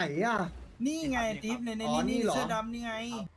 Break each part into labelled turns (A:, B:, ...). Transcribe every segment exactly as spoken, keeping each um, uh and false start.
A: อ่ะ
B: นี่ไงติ๊บในใน
A: อ๋อนี่
B: นี่
A: เหรอ
B: เสื้อดำนี่ไง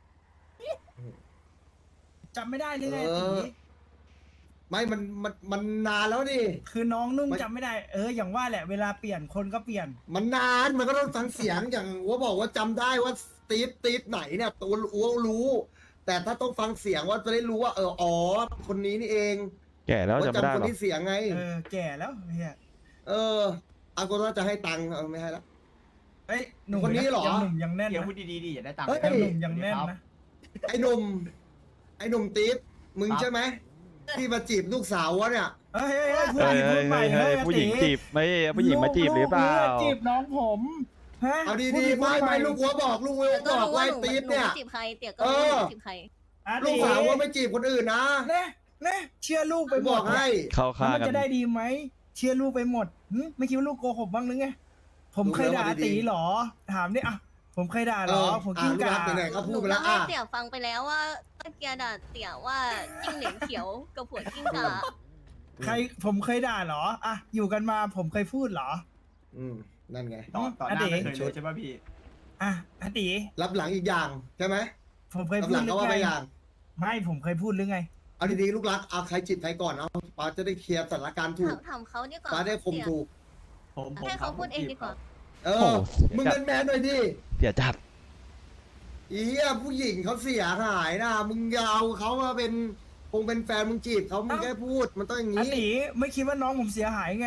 B: จำไม่ได้หรือไง
A: เออ
B: ตี
A: ไม่มันมันมันนานแล้วนี่
B: คือน้องนุ่ง
A: มัน
B: จำไม่ได้เอออย่างว่าแหละเวลาเปลี่ยนคนก็เปลี่ยน
A: มันนานมันก็ต้องฟังเสียงอย่างว่าบอกว่าจำได้ว่าตีฟตีฟไหนเนี่ยตัวอ้วรู้ แต่ถ้าต้องฟังเสียงว่าจะได้รู้ว่าเอออ๋อคนนี้นี่เอง
C: แก่แล้ว
A: ว่า
C: จำไม่ได้
A: จำคน
C: หรอ
A: ที่เสียงไง
B: เออแก่แล้วเฮีย
A: เอออากูว่าจะให้ตังค์เอาไม่ให้แล้ว
B: เอ้ยหนุ่ม
A: คนนี้เหรอ
B: ยังหนุ่มยังแน่น
D: เดี๋ยว
B: นะ
D: พูดดีๆดิอย่าได้ตังค์
A: เฮ้ย
B: ยังหนุ่มยังแน่นนะ
A: ไอ้หนุ่มไอ้หนุ่มตีฟมึงใช่ไหมที่มาจีบลูกสาววะเนี่ย
B: เฮ้ยเฮ้ยเฮ้ยพูด
C: เฮ้ย
B: ผิดพู
C: เฮ้
B: ด
C: ย
B: ใหม่
C: เฮ้ยผู้หญิง
B: เฮ้ย
C: จีบไม่ผู้หญิงมาจีบหรือเปล่า
B: ลูกจีบน้องผมฮะ
A: เอาดี
B: พู
A: ๆ
B: ผิ
A: ไม่
B: พู
A: ไม่
B: ให
A: ลูกวัวบอกลูกวัว
E: ก็
A: บอก
E: รู้
A: ว่า
E: ว่า
A: ไอ้
E: หนู
A: ตีฟ
E: หนู
A: เนี่ย
E: ไม่จีบใครเตี๋ยก็รู้ว่าหนูจีบใคร
B: อ่ะ
A: ลูกสาวว่าไม่จีบคนอื่นนะ
B: เน่เน่เชื่อลูกไป
A: ไป
B: หม
A: บอ
B: ด
A: กให้
C: เข้า
B: แล้ว
C: ข้าง
B: มัน
C: กัน
B: จะได้ดีไหมเชื่อลูกไปหมดหึไม่คิดว่าลูกโกหกบ้างหรือไงผมเคยด่าตีหรอ ถามดิอ่ะผมเคยด่าหรอ ผมกิ้งก่า
A: ไหนๆก็
E: ห
A: พู
E: นู
A: ดไป
E: ก็
A: แล้ว
E: ให้
A: อ่ะ
E: เตี๋ยฟังไปแล้วว่าตะเกียด่าเตี๋ยว่าจิ้งเหลนเขียวกับผัวจิ้งก่า
B: ใครผมเคยด่าเหรออ่ะอยู่กันมาผมเคยพูดเหรอ
A: อืมนั่นไง
D: ต่อต่อหน้าไม่เคยเลยใช่ป่ะพี่
B: อ่ะอตี
A: รับหลังอีกอย่างใช่ไหม
B: ผมเคย
A: รับ
B: พู
A: ห
B: ด
A: ลัง
B: หรื
A: ก็
B: อ
A: ว่าไป
B: ไง
A: อย่าง
B: ไม่ผมเคยพูดหรือไง
A: เอาดีๆลูกรักเอาใครจีบใครก่อนเอาป้าจะได้เคลียร์สถานการณ์ถู
E: ถาก มถามเขาดีกว่า
A: ป้าได้คม
E: เตี๋ย
A: ถูก
D: ผมผม
E: ให้เขาพูดเองดีกว่า
A: เอ
C: โอ้
A: อ
C: โห
A: มึงเป็นแมนหน่อยดิ
C: เสียจัด
A: อีเหี้ยผู้หญิงเขาเสียหายนะมึงอย่าเอาเขามาเป็นคงเป็นแฟนมึงจีบเขามึง
B: เอ้า
A: แค่พูดมันต้องอย่าง
B: อ
A: นี้
B: ตีไม่คิดว่าน้องผมเสียหายไง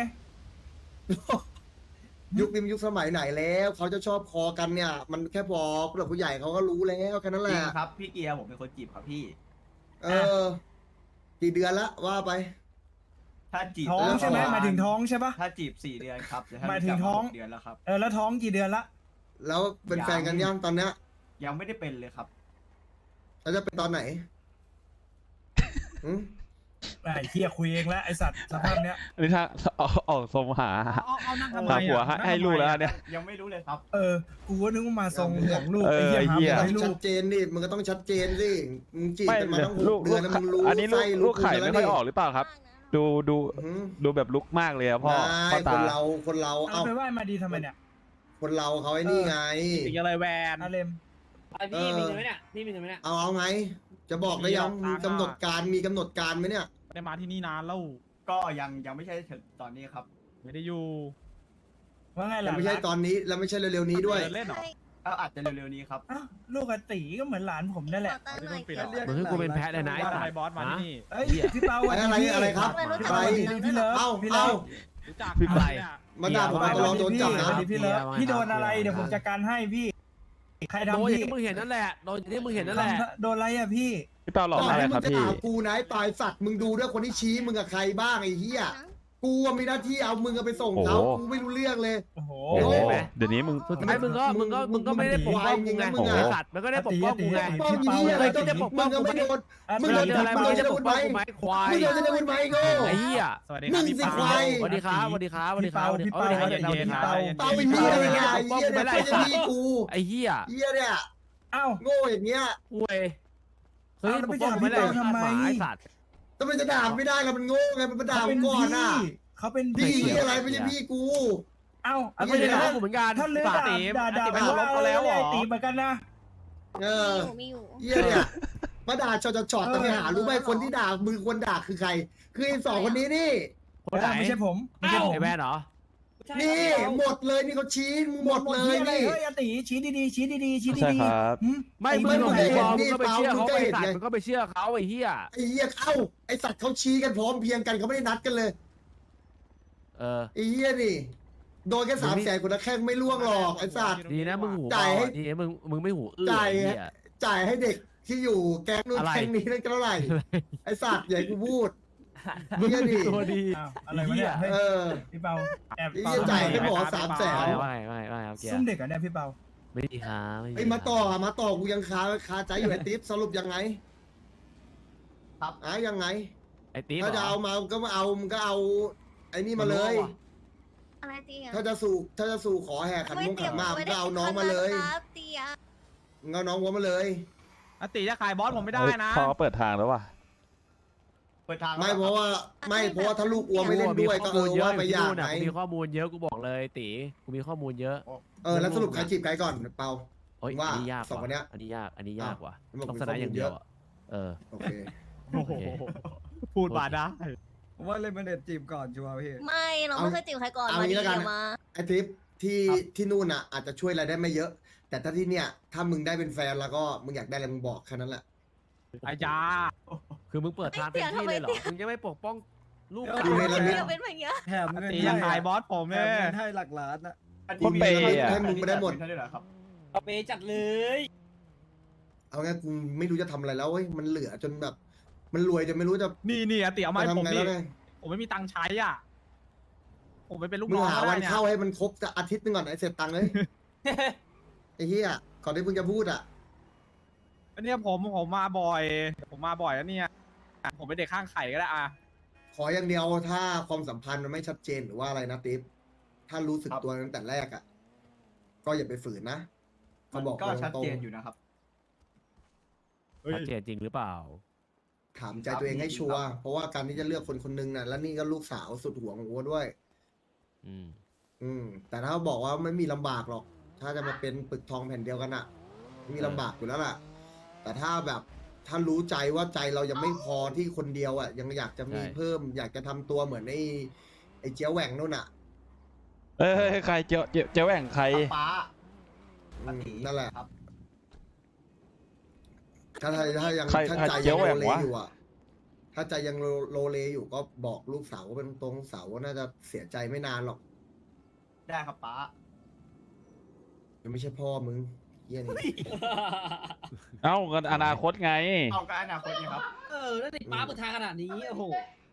A: ยุคนี้มันยุคสมัยไหนแล้วเขาจะชอบคอกันเนี่ย มันแค่บอกผู้หลักผู้ใหญ่เขาก็รู้แล้วแค่นั้นแห
D: จริ
A: ละ
D: งครับพี่เกียร์ผมเป็นคนจีบครับพี่
A: เออ กี่เดือนละว่าไป
D: ถ้าจีบ
B: ท้องใช่ไหม
A: เออ
B: หมายถึงท้องใช่ปะ
D: ถ้าจีบสี่เดือนครับแต่ถ้
B: หมายถึงท้อง
D: เดือนแล้วครับ
B: เออแล้วท้องกี่เดือนละ
A: แล้วเป็นแฟนกันยังตอนเนี้ย
D: ยังไม่ได้เป็นเลยครับ
A: แล้วจะเป็นตอนไหนหืม
B: ไอ้เฮียคุยเองแล้วไอสัตว์สภาพเนี้ย
C: อันนี้ถ้าออกออกทรงหา
B: เอาเอานั่งทำไม
C: หาผัว
B: อ่ะ
C: ให้ให้ลูกแล้วเนี่ย
D: ยังไม่รู้เลยครับ
B: เออ กูก็นึกว่ามาทรงห่วงลูก
C: เออ
B: ไอ้เหี้ย
C: ไอ้เหี้ย
B: หาผัวให้ลู
A: ชั
B: ก
A: ดเจนดิมึงก็ต้องชัดเจนสิมึงจีบ
C: ไม่
A: กันมาตั้งห
C: ลู
A: ก
C: ก
A: เดื
C: ลู
A: อก นแล้วมึงรู้
C: อันนี้ลูก
A: ไส้
C: ลูกไข่
A: คุณ
C: ไม่
A: แล้ว
C: ค่อย
A: ดิ
C: ออกหรือเปล่าครับ ดูดู
A: หืม
C: ดูแบบลุกมากเลยอะพ่อพ่อ
A: ไม่ค
C: ตา
A: นเราคนเรา
B: เอา
A: เอ้า
B: ไปไหว้มาดีทำไมเนี่ย
A: คนเราเขาไอ้นี่ไง
F: สิ่งอะไรแวน
B: อาเลม
F: พี่มีเงินไหมเนี่ยพี่มีเงินไหมเนี่ย
A: เอาเอาไง จะบอกได้ยัง
F: มี
A: มี
F: หลักฐาน
A: กำหนดการมีกำหนดการไหมเนี่ย
F: ไม่ได้มาที่นี่นานแล้ว
D: ก็ยังยังไม่ใช่ถึงตอนนี้ครับ
F: ไม่ได้อยู่
B: ว่าไง
A: แล้
B: ล่ะ
A: วไม่ใช่ตอนนี้แล้วไม่ใช่เร็วๆนี้ด้วย
F: เดินเล่นเหรอ
D: ก็อาจจะเร็วๆนี้ครับ
B: อ้าวลูกอาตีก็เหมือนหลานผมนั่นแหละ
E: ขอตั้งหน่อย
F: ปิด
E: เตี๋
F: เหรอ
E: ย
G: มึงคือกูเป็นแพะเลยนะไอ้
F: ว่า
G: สั
F: ทำไม
G: ตว์
F: บอสมาที่นี่
B: เอ้ย
G: เหี้ย
B: พี่เปาวัน
A: อะไร
B: นี้
A: อะไรครับ
B: พี่
A: อะไร
B: เปาวันนี้พี่เลิฟ
A: เอ้า
B: พี่เลิ
A: เอ้า
B: ฟ
F: รู้จัก
G: พี่ไป
F: เนี่ย
A: มาด่าผม
B: วัน
A: ตลอดโดน
B: นี้
A: จับ
B: พี่
A: นะ
B: วันนี้พี่เลิฟ
G: เกียร์
B: พี่โดนอะไร
G: เกียร์
B: เดี๋ยวผมจัดการให้พี่ใคร
G: โดน
B: ทำ
G: อย่าง
B: พี่
G: ที่มึงเห็นนั่นแหละโดนอย่างที่มึงเห็นนั่นแหละ
B: ทำโดนอะไรอ่ะพี่
C: พี่เปาหลอก
A: ก่อน
C: อะไร
A: ที่มึ
C: ครับ
A: งจะ
C: พี่
A: ด่ากูนะไอ้ปลายสัตว์มึงดูด้วยคนที่ชี้มึงกับใครบ้างไอ้เหี้ยกูอะมีหน้าที่เอามึงอะไปส่งเขา
C: โอ้โห
A: กูไม่รู้เรื่องเลย
B: โอ้โห
C: โอ้โห
A: เห็นไหม
C: เดี๋ยวนี้มึง
G: สุดท้ายมึงก็มึงก็มึงก็ไม่ได้ปกป้องกูไง
A: มึงอะ
G: ไอ้สัตว์มันก็ได้ปกป้องกูไง
A: ป้องยี่อะไรก็จะปกป้องมึงก็ไม่โดน มึง
G: มึง
A: โด
G: โด
A: น
G: นอะไร
A: มึ
G: มึ
A: ง
G: ง
A: โดน
G: จะปกป้องกูไหมควาย
A: มึงโดนจะพูดไหมโง่
G: ไอ้เหี้ย
F: สวัสดี
A: มึ
F: ครับ
A: ง
F: พี่
A: สิ
F: เปา
A: ควาย
G: สวัสดีครับสวัสดีครับสวัสดีครับสวัสดี
B: พี่
G: ครับ
B: เปา
G: สวัสดีครับ
B: พี่
G: สวัสดีครับ
B: เปา
A: เป้าไอ้เหี้ยอะไรเนี่ยไอ้
G: ปกป้อง
A: เหี้ย
G: กู
A: เนี่ย
G: ไม่ได้
A: ไม่ใช่พี่กู
G: ไอ้เหี้ย
A: เหี้ยเนี่ย
B: เอ้า
A: โง่อย่างเงี้ย
G: คุยเฮ้ย
B: เอาแล้ว
G: ป
B: ไป
G: กป้อง
B: ด่า
G: กูไม่ได้
B: พี่เปาทำไม
G: หมาไอ้สัตว์
A: ทำไมจะด่าไม่ได้ล่ะมันโง่ไงมันมาด่า
B: เขา
A: ผ
B: เป็
A: ม
B: น
A: ก่อน
B: พี่
A: น่ะ
B: เขาเป็น
A: พี่
B: พี่
A: อะไรไม่ใช่พี่กู
B: เอ้า
G: อ่ะไม่ได้ด่ากูเหมือนกัน
B: ถ้าเลือด
G: ฝาก
B: ด่า
G: ตี
B: ด่าด่า
F: ตี
B: ไป
F: ไป
B: ว่า
F: ลบเขาแล้วเหรอ
B: ไอ้ตีเหมือนกันนะ
A: เอ
E: มี
A: อ
E: อยู่มีอยู่
A: เหี้ยเนี่ยมาด่าช็อตช็อต
B: เออ
A: แต่ไปหารู้ไหมคนที่ด่ามือคนด่าคือใคร คือไอ้สองคนนี้นี่
G: คนไหน
B: ไม่ใช่ผมไม่ใช่ผม
G: ไอ้แว่นเหรอ
A: นี่หมดเลยนี่เขาชี้มึงหมดเลย
B: อะไร
A: นี่
B: เฮ้ยอาตีชี้ดีๆชี้ดีๆชี้
C: ใช่
B: ดี
C: ครับ
B: ๆหึ
G: ไม่
B: อ้
G: มึง
B: เหี้ย
G: ก็
A: ไม่
G: ไป
A: เห็น
G: มองมึงก็ไป
A: นี่
G: เชื่อเขา
A: เปล่า
G: ไอ้สัต
A: มึงก็เห็นไง
G: ว์มึงก็ไปเชื่อเขาไอ้เหี้ย
A: ไอ้เหี้ยเอ้าไอ้สัตว์เขาชี้กันพร้อมเพรียงกันเขาไม่ได้นัดกันเลย
G: เออ
A: ไอ้เหี้ยนี่โดนแค่สามแสนคนละแข้งไม่ล่วงหรอกไอ้สัตว์
G: ดีนะมึงหู
A: จ่ายให้
G: ดีนะมึงมึงไม่หูอื้อ
A: จ่าย
G: ไอ้เหี้ย
A: จ่ายให้เด็กที่อยู่แก๊งนู้น
G: อะไร
A: แก๊งนี้นั่นก็เท่าไหร่ไอ้สัตว์อย่าให้กูพูดเหี้ยดิ
G: ตัวดี
B: อ้าวอะไรวะเนี่ยเฮ้ย
A: เออ
B: พี่เปาแอบ
A: ไอ้เหี้ยจ่ายให้หมอสามแสน
G: ไม่ไม่ไม่ไม่ครับเกีย
B: ซุ่ม
G: ร์
B: เด็กเหรอเนี่ยพี่เปา
G: ไม่ดีครับไม่ดี
A: ไอ้มาต่อมาต่อกูยังคาคาใจอยู่ไอ้ติ๊บสรุปยังไง
D: ครับ
A: อ่ะยังไง
G: ไอ้ติ๊บ
A: ถ้าจะเอามาก็มาเอามึงก็เอาไอ้นี่มาเลย
E: อะไรเตี๋ย
A: ถ้าจะสู่ถ้าจะสู่ขอแห่ขันมงขันหมากมึงก็เอาน้องมาเลย
E: ครับเตี๋ย
A: มึงเอาน้องวัวมาเลย
F: อติจะขายบอสผมไม่ได้นะ
C: พอเปิดทางแล้วว่ะ
D: เปิดทาง
A: ไม่เพราะว่าไม่เพราะว่าถ้าลูกอัวไม่เล่นด้วยก็เออว่าไปอยากไหน
G: กูมีข้อมูลเยอะกูบอกเลยตีกูมีข้อมูลเยอะ
A: เออแล้วสรุปใครจีบใครก่อนเปา
G: โอ้ย
A: ว่า
G: อันนี้ยาก
A: สองคนเนี้ย
G: อันนี้ยากอันนี้ยากว่ะ
A: อ้าว
G: ต้อง
A: มัน
G: ช
A: บอกมี
G: นะอย่างเดียว
A: ข้อมูลเยอะ
G: อะเออ
A: โอเค
F: โอ้โหพูดมาได้
B: ผมว่าเล่นมาเด็ดจีบก่อนชัวร์พี่
E: ไม่เราไม่เคยจีบใครก่อน
A: เอา
E: มา
A: งี้
E: ดี
A: แล้วกัน
E: เดี๋ยวมา
A: ไอทริปที่ที่นู่นอ่ะ อาจจะช่วยอะไรได้ไม่เยอะ แต่ถ้าที่เนี่ยถ้ามึงได้เป็นแฟนแล้วก็มึงอยากได้อะไรมึงบอกแค่นั้นแหละ
F: อาญา
G: คือมึงเปิดทางเต็มที่เลยเหรอมึงจะไม่ปกป้องลูก
A: อยู่ในระมิด
E: เดี๋ยวเป็นแบบเนี้ย
B: แถมเงิน
F: ตี
B: ให้
F: ยังไงบอสผม
B: แถ
F: เนี่
B: ม
F: ย
B: เงินให้หลักล้านอะ
C: คนเปย์อะ
A: ให้มึงไม่ได้หมด
D: ให้ด้วยเหรอครับ
F: เอาไปจัดเลย
A: เอางี้กูไม่รู้จะทำอะไรแล้วเว้ยมันเหลือจนแบบ มันรวยจนไม่รู้จะ
F: นี่นี่อาตีเอามา
A: จะ
F: ให้ผม
A: ทำไง
F: ดิ
A: แล้วไง
F: ผมไม่มีตังค์ใช้อ่ะ ผมไปเป็นลูก
A: มึง
F: น้อง
A: หา
F: ก็
A: วั
F: ได้
A: น
F: เนี่ย
A: เข้าให้มันครบจะอาทิตย์หนึงก่อนไอเสร็จตังค์เลยไอ้เหี้ยก่อนที่มึงจะพูดอ่ะ
F: อันเนี้ยผมผมมาบ่อย ผมมาบ่อยแล้วเนี่ย ผมเป็นเด็กข้างไข่ก็ได้อ่ะ
A: ขออย่างเดียวถ้าความสัมพันธ์มันไม่ชัดเจนหรือว่าอะไรนะติ๊บถ้ารู้สึก
D: ครับ
A: ตัวตั้งแต่แรกอ่ะ ก็อย่าไปฝืนนะ
D: มั
A: เขา
D: น
A: บอก
D: ก็
A: ตรง
D: ชัด
A: ๆ
D: เจนอยู่นะครับ
G: ชัดเจนจริงหรือเปล่า
A: ถามใจตัวเองให้ชัวร์เพราะว่าการที่จะเลือกคนคนหนึงน่ะแล้วนี่ก็ลูกสาวสุดห่วงของวัวด้วย
G: อืม
A: อืม แต่ถ้าบอกว่าไม่มีลำบากหรอก ถ้าจะมาเป็นปึกทองแผ่นเดียวกันอ่ะไม่มีลำบากอยู่แล้วล่ะ แต่ถ้าแบบถ้ารู้ใจว่าใจเรายังไม่พอที่คนเดียวอ่ะ ยังอยากจะมี
G: ใช่
A: เพิ่ม อยากจะทำตัวเหมือนไอ้ไอ้เจียวแหว่งนู่นอ่ะ
C: เอ้ยใครเจ้าเจ้าเจ้าแหว่งใคร
D: ป้า
A: อื
D: ป้าม ตี
A: นั่นแหละ
D: ครับ
A: ถ้าถ้าถ้ายัง
C: ใคร
A: ถ้า
C: ใคร
A: ใจ
C: เจี
A: ยั
C: ยว
A: ง
C: แหว่
A: โล
C: ง
A: เล
C: วะ
A: อยู่อ่ะ ถ้าใจยังโลโลเลอยู่ก็บอกลูกสาวว่าเป็นตรงๆสาวว่าน่าจะเสียใจไม่นานหรอก
D: ได้ครับป้า
A: ยังไม่ใช่พ่อมึงเยี่ยนี่
C: เอ้ากันอนาคตไง
D: เอาก็อนาคตไงครับ
F: เออแล้วติดป้าเปิดทางขนาดนี้โอ้โห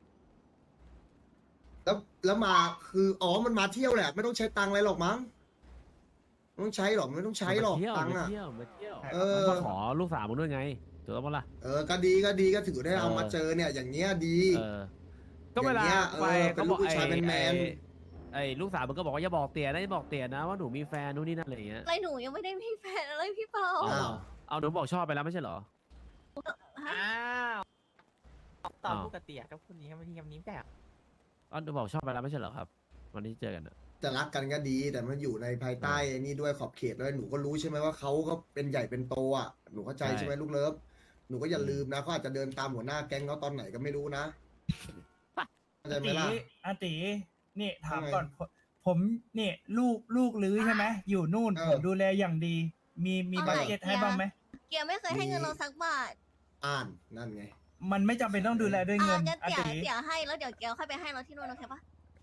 A: แล้วแล้วมาคืออ๋อมันมาเที่ยวแหละ ไม่ต้องใช้ตังค์อะไรหรอกมั้งไม่ต้องใช้หรอกไม่ต้องใช้หรอก
G: มาเที่ยว
A: ตังค์
G: มา
A: อ่ะ
G: เที่ยวมาเที่ยว
A: เอ
G: มัน
A: อ
G: มาขอลูกสาวมึงด้วยไงถูกต้องปะล่ะ
A: เออก็ดีก็ดีก็ถือได้เอา
G: เออ
A: มาเจอเนี่ย อย่างเงี้ยดี
G: เออ ก็เวลา
A: อย่างเงี้ย
G: ไป
A: เออเป็น
G: เขาบอก
A: ลูกผู้ชาย
G: ไอ้
A: แมนๆ
G: ไอ้ไอ้ลูกสาวมึงก็บอกว่าอย่าบอกเตี่ยนะอย่าบอกเตี่ยนะว่าหนูมีแฟนนู่นนี่นั่นอะไรอย่างเงี้ย
E: อะไรหนูยังไม่ได้มีแฟนอะไรพี่เปา
G: เอา
A: อ้าว
G: เอาหนูบอกชอบไปแล้วไม่ใช่เหรอ
E: ฮะ
F: อ้าว
G: ตอน
F: ปกติกับคนนี้ครับที่คำนี้แต่
G: เอาหนูบอกชอบไปแล้วไม่ใช่เหรอครับ วันที่เจอกันอะ
A: จะรักกันก็ดี แต่มันอยู่ในภายใต้ไอ้นี่ด้วยขอบเขตด้วยหนูก็รู้ใช่ไหมว่าเขาก็เป็นใหญ่เป็นโตอ่ะหนูเข้าใจใช่ไหมลูกเลิฟหนูก็อย่าลืมนะเขาอาจจะเดินตามหัวหน้าแก๊งเขาตอนไหนก็ไม่รู้นะเข้าใจไหม
B: ตี
A: ล่ะ
B: อาตีนี่ถาม
A: ว่าไง
B: ก่อนผมผมนี่ลูกลูกลื้อใช่ไหมอยู่นู่น
A: เออ
B: ผมดูแลอย่างดี มีมี
E: เอา
B: บัต
E: ไหน
B: เจ็ต
E: เกียร์
B: ให้บ้างไหม
E: เกียร์ไม่เคยให้เงินเราสักบาท
A: อ่านนั่นไง
B: มันไม่จำเป็นต้องดูแลด้วย
E: อ่า
B: เงิน
E: งั้น
B: อา
E: เตี๋ย
B: ตี
E: เตี๋ยให้แล้วเดี๋ยวเกียร์ค่อยไปให้เราที่นู่นโอเคปะ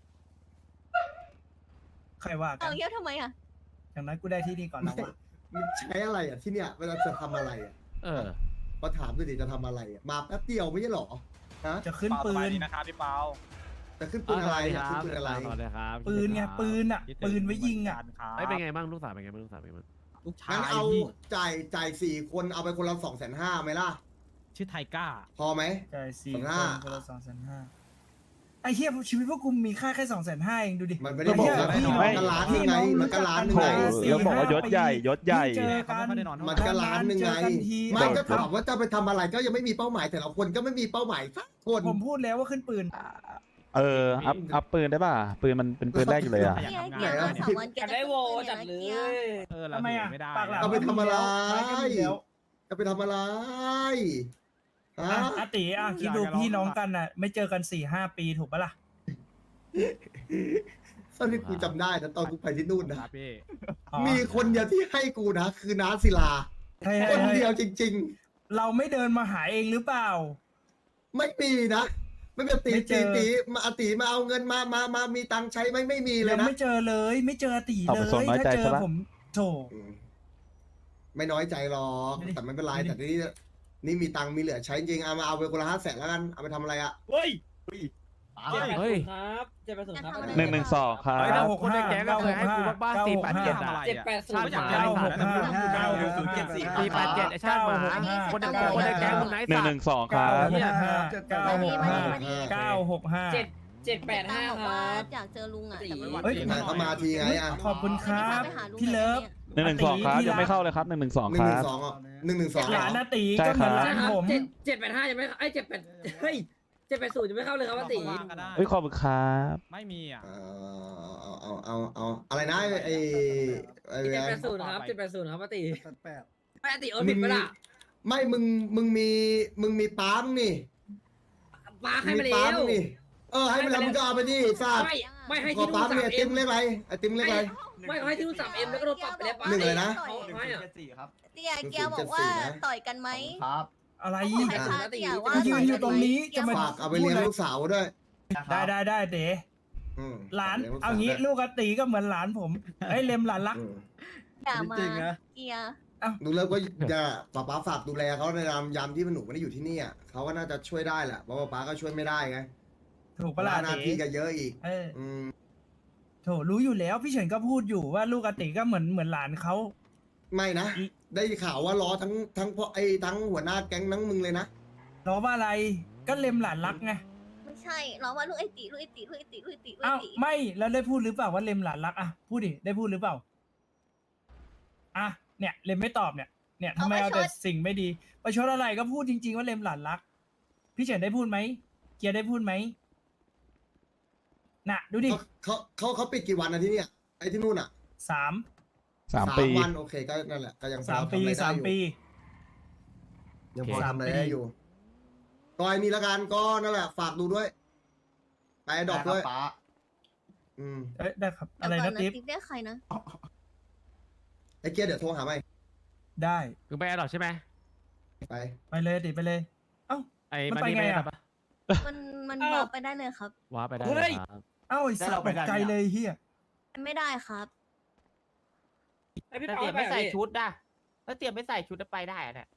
B: ใครว่ากั
E: เอา
B: น
E: เกียร์ทำไมอ่ะ
B: อย่างนั้นกูได้ที่นี่ก่อนแล้ววะ
A: มันใช้อะไรอ่ะที่เนี่ยเวลาจะทำอะไรอ่ะ
G: เออ
A: มาถามดูดิจะทำอะไรอ่ะมาแป๊บเดียวไม่ใช่หรอฮะ
B: จะขึ้นปื
F: สบาย
B: น
F: ดีนะครับพี่เปา
A: จะขึ้นปืนอะไร
G: ค
A: อ่ะ
G: รั
A: ขึ้น
G: บ
A: ปืนอะไร
G: สวัสดีครับ
B: ปืนไงปืนอ่ะ
F: คิดถึ
B: ปืนไว้ยิงอ่ะ
F: เหมืนกันครับ
G: ไม่เป็นไงบ้างลูกสาวเป็นไงบ้างลูกสาวเป็นไงบ้าง
F: ลูกชา
A: งั้น
F: ย
A: เอา
F: พี่
A: จ่ายจ่ายสี่คนเอาไปคนละสองแสนห้าไหมล่ะ
F: ชื่อไทก้า
A: พอไหม
B: ใช่สี่
A: สอง
B: ค
A: ห้า
B: นคนละสองแสนห้าไอ้เหี้ยชีวิตพวกกูมีค่าแค่สองแสนห้าเองดูดิ
A: มันไม่ได้บอกนะ
B: พี่
A: มัน
B: น้อง
A: ก็ล้านหนึงไงมันก็ล้านหนึง
C: โถ
A: ไง
C: แล้วบอกว่ายศใหญ่ยศใหญ่
B: เจอกัน
F: เขาไม่ค่อยได้นอน
A: มันก็ล้านหนึ่งไง
B: เจอกันที
A: ไม่ก็ถามว่าจะไปทำอะไรก็ยังไม่มีเป้าหมายแต่ละคนก็ไม่มีเป้าหมายสักคน
B: ผมพูดแล้วว่าขึ้นปืน
C: เออ อัพ อัพปืนได้ป่ะ ปืนมันเป็นปืนแรกอยู่เลยอ่ะ
E: เกียร์เกียร์มาสามวันเกียร์จะขึ้นปืนอย่างละเกียร์
F: เออเรา
B: ทำไมอ่ะ
F: ไม่ได้
B: ปากหลัง
A: เอาไปทำอะไร
B: ก็มีแล้ว
A: จะไปทำอะไรฮะ
B: อ่ะอาติอ่ะคิดดูพี่น้องกันอ่ะ ไม่เจอกันสี่ห้าปีถูกปะล่ะ
A: ตอนที่กูจำได้นะตอนกูไปที่นู่น
F: ค
A: นะ
F: รับพี่
B: อ๋อ
A: มีคนเดียวที่ให้กูนะ คือน้าศิลา
B: เฮ้ย
A: คน
B: เฮ้ย
A: เดียวจริง
B: เราไม่เดินมาหาเองหรือเปล่า
A: ๆ ไม่มีนะ ไม่เป็นตี
B: ไม่เจ
A: ตี
B: อ
A: ตีมาอาตีมาเอาเงินมามามามีตังค์ใช้ไหมไม่มีเลย
B: ยัง
A: นะ
B: ไม่เจอเลย ไม่เจออาติ
C: เอา
B: เล
C: ไปส่ง
B: ย
C: น้อย
B: ถ้า
C: ใจ
B: เจอ
C: ซะละ
B: ผมโถ
A: อืมไม่น้อยใจหรอก
B: ดูดิ
A: แต่ไม่เป็นไร
B: ดูดิ
A: แต่ที่นี่นี่มีตังค์มีเหลือใช้จริงเอามาเอาไปคนละห้าแสนแล้วกันเอาไปทำอะไรอะ
F: เฮ้ย
D: ป้า
G: เฮ้ย
F: ครับเจ็ดแปดศูนย์ครับ
C: หนึ่งหนึ่งสองครั
G: เฮ้ย
C: บ
G: ถ้าคนในแก๊งก็เคยให้กูบ้างๆสี่แปดเจ็ด
F: ทำ
G: อะ
F: อะไร
B: เจ็ด
F: อะ
B: แปดศูนย์
F: ชาติ
B: เก้าหกห้า
F: เก้าหกศูนย์เจ็ดสี่
G: สี่แปดเจ็ดไอ้ชาติหมาคนในคนในแก๊งมึงไหน
C: หนึ่ง
G: สัต
C: หนึ่
G: ว์
C: งสองครับ
B: เก้าหกห้าเก้าหกห้า
F: เจ็ดเจ็ดแปดห้า
E: บอก
F: ค
E: ว่า
F: รับ
E: อยากเจอลุงอ่ะ
F: สี่
E: แต่ไม่
B: เฮ้ย
A: ไหนเขามาทีไงอะ
B: ขอบคุณครับ พี่เลิฟ
C: หนึ่งหนึ่งสองครับ ยังไม่เข้าเลยครับหนึ่งหนึ่งสอง
A: หนึ่
C: ค
A: งห
C: รั
A: นึ่
C: บ
A: งสองอ่ะหนึ่งหนึ่งสอง
B: หลานนาตี
C: ใช่
B: ก็เหมือน
C: ครับ
B: หลานผม
F: เจ็ดแปดห้ายังไม่ไอ้เจ็ดแปดเฮ้ย
H: เจ็ดแปดศูนย์จะไม่เข้าเลยครับว่าตี
F: ว่างก็ได้
C: เอ้ยขอบคุณครับ
F: ไม่มีอ่ะ
A: เอาเอาเอาเอาเอาอะไรนะไอ้ไอ้
H: เจ็ด
A: ไอ้
H: แปดศูนย์ครับเจ็ดแปดศูนย์ครับว่าตี
B: แปด
H: ไม่ตีโอนผิดปะล่ะ
A: ไม่มึงมึงมีมึงมีป้ามงนี่
H: ป้าให้
A: มี
H: มาแล้
A: ป้าม
H: ว
A: งนี่เออให้ไปแล้วมึงก็เอาไปดิทราบ
H: ไม่ไม่ให้
A: ขอ
H: ที่นู่
A: ป้าน ม
H: สา
A: เนี่
H: ม
A: ย
H: เอ็
A: ติ
H: ม
A: มเล็กไรไอติมเล็กไร
H: ไม่เขาให้ที่นู่นสามเอ็มแล้วก็โดนปรับไปแล้วป้า
A: หนึ่งเลยนะ
H: เขาให้อะ
D: เจ็ดสี่ครับ
E: เตียเกียบอกว่าต่อยกันไหม
D: ครับ
B: อะไร
E: บอกให้ท้าเตียว่า
B: ยืนอยู่ตรงนี้จะมา
A: ฝากเอาไปเลี้ยงลูกสาวด้วย
B: ได้ได้ได้เต๋
A: อืม
B: หลาน
A: ฝกลี้ย
B: เอางี้
A: ด้วย
B: ลูกกตีก็เหมือนหลานผมไอ้ยเลมหลานรัก
A: อืม
E: อย่ามา
F: จริงๆนะ
E: เกีย
A: ดูแล้วก็จะป้าป้าฝากดูแลเขาในยามยามที่มันหนูไม่ได้อยู่ที่นี่อ่ะเขาก็น่าจะช่วยได้แหละเพราะว่าป้าก็ช่วยไม่ได้ไง
B: ถูกปะล่ะ
A: หน้า
B: เต๋
A: ที่ก็เยอะอีก
B: เออ
A: อืม
B: โถรู้อยู่แล้วพี่เฉินก็พูดอยู่ว่าลูกกติก็เหมือนเหมือนหลานเขา
A: ไม่นะ ได้ข่าวว่าล้อทั้งทั้งพ่อไอ้ทั้งหัวหน้าแก๊งทั้งมึงเลยนะ
B: ล้อว่าอะไรก็เลมหลานรักไง
E: ไม่ใช่เราว่าลูกไอตีลูกไอตีลูกไอตีลูกไอตีลูกไอ
B: อ้าว
E: ตี
B: ไม่แล้วได้พูดหรือเปล่าว่าเลมหลานรักอ่ะพูดดิได้พูดหรือเปล่าอ่ะเนี่ยเลมไม่ตอบเนี่ยเนี่ยทำไมเอาแต่สิ่งไม่ดีประชดอะไรก็พูดจริง ๆ ว่าเลมหลานรัก พี่เฉินได้พูดไหมเกียร์ได้พูดไหมน่ะดูดิ
A: เขาเขาเขาเขาปิดกี่วันนะที่เนี่ยไอ้ที่นู่นอ่ะ
B: สาม
C: สามปี
A: วันโอเคก็นั่นแหละก็ยังพอ
B: สามปี
A: ทำอะไรได้
B: สาม
A: อยู่
B: ปี
A: ยังพอ
B: สาม
A: ทำอะไร
B: ปี
A: ได้อยู่ก็ไอ้นี่ละกันก็นั่นแหละ ฝากดูด้วย ไปดอกด้วย
D: ไครับป้า
A: อืม
B: เอ้ยได้ครับ
E: เดี๋
B: อะ
E: ยว
B: ไร
E: ก่อน
B: นะ
E: นะ
B: ติ๊บ
E: ติ๊บได้ใครนะ
A: ไอ้เกียร์เดี๋ยวโทรหาไหม
B: ได้
G: คือไปแอร์ดรอปใช่ไหม
A: ไป
B: ไปเลยติ๊บไปเลย เอ้า
G: ไอ้
B: มัน
G: มัน
B: ไป
G: นี่
B: ไง
G: ไม่
B: อะ
G: ได้ปะ
E: มันมัน
B: เอ้า
E: บอกไปได้เลยครับ
G: ว้าไปได้
B: เฮ้ย
G: ครับ
B: เอ้าไอ้สัตว์ตกใจเลยเฮีย
E: ไม่ได้ครับ
H: ไอพี่
I: ถ้า
H: เปา
I: เตรียม
H: ไป
I: ไม่
H: อะ
I: ใส่
H: พี่
I: ชุดอะถ้าเตรียมไม่ใส่ชุดจะไปได้อะเนี่ย